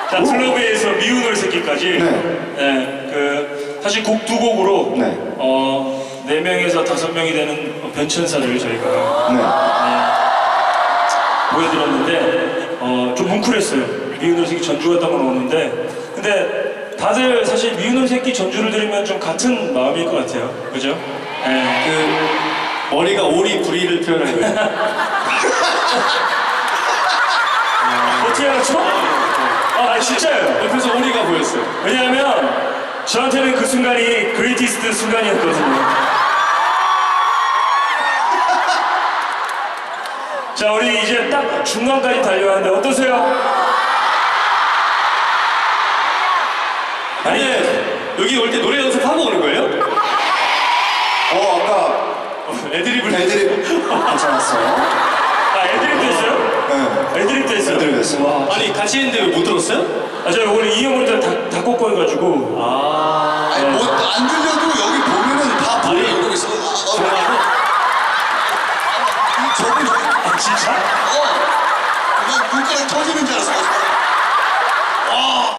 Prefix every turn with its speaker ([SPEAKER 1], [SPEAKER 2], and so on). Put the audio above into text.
[SPEAKER 1] 자, 블러브에서 미운 새끼까지. 네. 그 사실 곡 두 곡으로
[SPEAKER 2] 네.
[SPEAKER 1] 4명에서 5명이 되는 변천사를 저희가 보여드렸는데 좀 뭉클했어요. 미운 새끼 전주가 딱 오는데 근데 다들 사실 미운 새끼 전주를 들으면 좀 같은 마음일 것 같아요. 그죠? 네.
[SPEAKER 3] 그 머리가 오리 부리를 표현하는 거예요.
[SPEAKER 1] 어떻게 알았죠? 아 진짜요?
[SPEAKER 3] 옆에서 오리가 보였어요.
[SPEAKER 1] 왜냐하면 저한테는 그 순간이 그레이티스트 순간이었거든요. 자, 우리 이제 딱 중간까지 달려가는데 어떠세요?
[SPEAKER 3] 아니 여기 올 때 노래 연습하고 오는 거예요?
[SPEAKER 2] 아까
[SPEAKER 3] 애드립을
[SPEAKER 2] 애드립 괜찮았어요.
[SPEAKER 1] 아, 애드립도 했어요?
[SPEAKER 2] 네.
[SPEAKER 1] 애드립도 했어요?
[SPEAKER 2] 애드립 했어요.
[SPEAKER 1] 와,
[SPEAKER 3] 아니 같이 했는데 왜 못 들었어요?
[SPEAKER 1] 아, 제가 오늘 이 형을 다 꽂고 해가지고.
[SPEAKER 3] 아